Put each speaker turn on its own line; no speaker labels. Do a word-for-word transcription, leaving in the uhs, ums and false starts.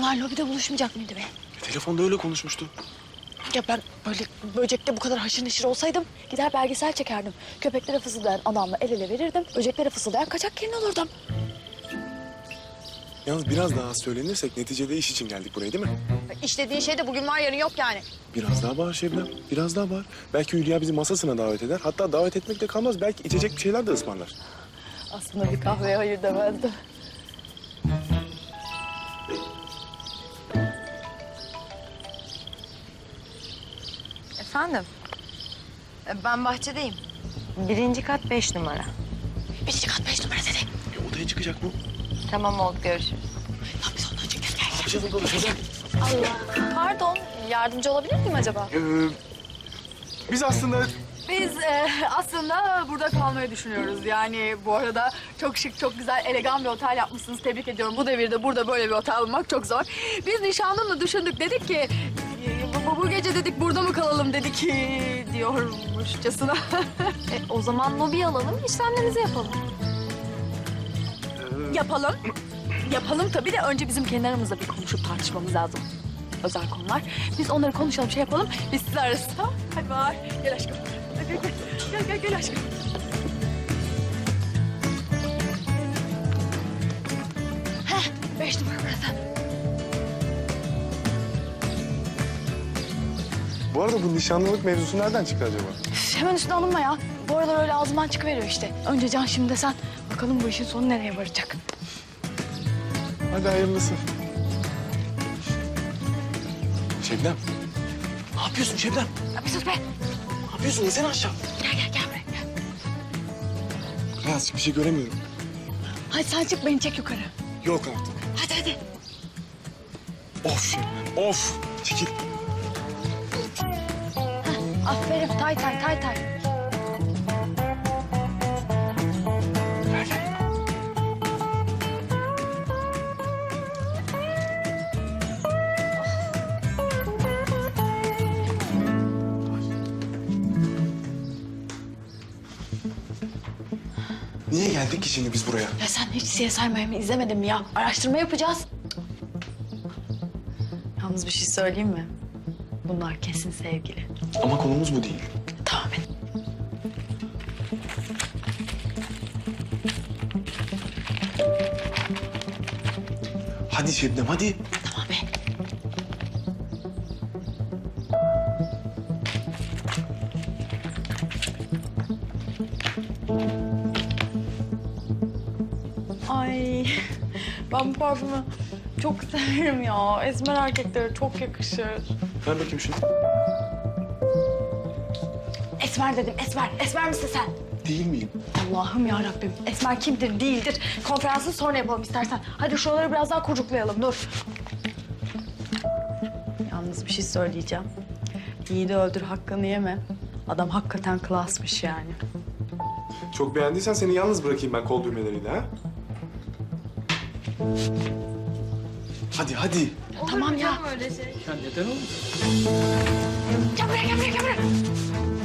Bunlar lobide buluşmayacak mıydı be?
E, telefonda öyle konuşmuştu.
Ya ben böyle böcekte bu kadar haşır neşir olsaydım gider belgesel çekerdim. Köpeklere fısıldayan adamla el ele verirdim. Böceklere fısıldayan kaçak gelin olurdum.
Yalnız biraz daha az söylenirsek neticede iş için geldik buraya değil mi?
İşlediğin şey de bugün var yarın yok yani.
Biraz daha bağır Şebnem, biraz daha bağır. Belki Hülya bizi masasına davet eder. Hatta davet etmek de kalmaz. Belki içecek bir şeyler de ısmarlar.
Aslında bir kahveye hayır demezdim.
Efendim? E, Ben bahçedeyim. Birinci kat beş numara.
Birinci kat beş numara dedi.
E, odaya çıkacak bu.
Tamam oldu, görüşürüz.
Lan biz ondan çıkacağız gel.
Ne yapacağız burada Şebnem?
Allah. Pardon yardımcı olabilir miyim acaba?
Ee, biz aslında...
Biz e, aslında burada kalmayı düşünüyoruz. Yani bu arada çok şık, çok güzel, elegan bir otel yapmışsınız. Tebrik ediyorum. Bu devirde burada böyle bir otel bulmak çok zor. Biz nişanlımla düşündük. Dedik ki e, bu, bu gece dedik burada mı kalalım dedik e, diyormuşçasına.
E, o zaman lobi alalım, işlemlerimizi yapalım.
Yapalım. Yapalım tabii de önce bizim kendi aramızda bir konuşup tartışmamız lazım. Özel konular. Biz onları konuşalım, şey yapalım. Biz sizi ararız. Tamam? Hadi var. Gel aşkım. Gel, gel, gel, gel, gel aşkım.
Heh beş numara burası.
Bu arada bu nişanlılık mevzusu nereden çıktı acaba?
Üf, hemen üstüne alınma ya. Bu aralar öyle ağzımdan çıkıveriyor işte. Önce Can şimdi de sen. Bakalım bu işin sonu nereye varacak.
Hadi hayırlısı. Şebnem. Ne yapıyorsun Şebnem?
Ya bir sus be.
Ne yapıyorsun? İnsene aşağı.
Gel gel gel buraya. Gel.
Beyaz bir şey göremiyorum.
Hadi sen çık beni çek yukarı.
Yok artık.
Hadi hadi.
Of Şebnem, of. Çekil.
Aferin tay tay tay tay.
Gel gel. Niye geldik ki şimdi biz buraya?
Ya sen hiç C S I Miami izlemedin mi ya? Araştırma yapacağız. Yalnız bir şey söyleyeyim mi? Bunlar kesin sevgili.
Ama konumuz bu değil.
Tamam et.
Hadi Şebnem, hadi.
Tamam be.
Ay ben bu parfümü çok severim ya. Esmer erkeklere çok yakışır.
Ver bakayım şunu.
Esmer dedim Esmer. Esmer misin sen?
Değil miyim?
Allah'ım ya Rabbim. Esmer kimdir değildir. Konferansı sonra yapalım istersen. Hadi şuraları biraz daha kurcuklayalım dur.
Yalnız bir şey söyleyeceğim. Yiğidi öldür hakkını yeme. Adam hakikaten klasmış yani.
Çok beğendiysen seni yalnız bırakayım ben kol düğmeleriyle ha. Hadi hadi.
Tamam ya.
Öyle şey.
Gel buraya gel buraya gel buraya.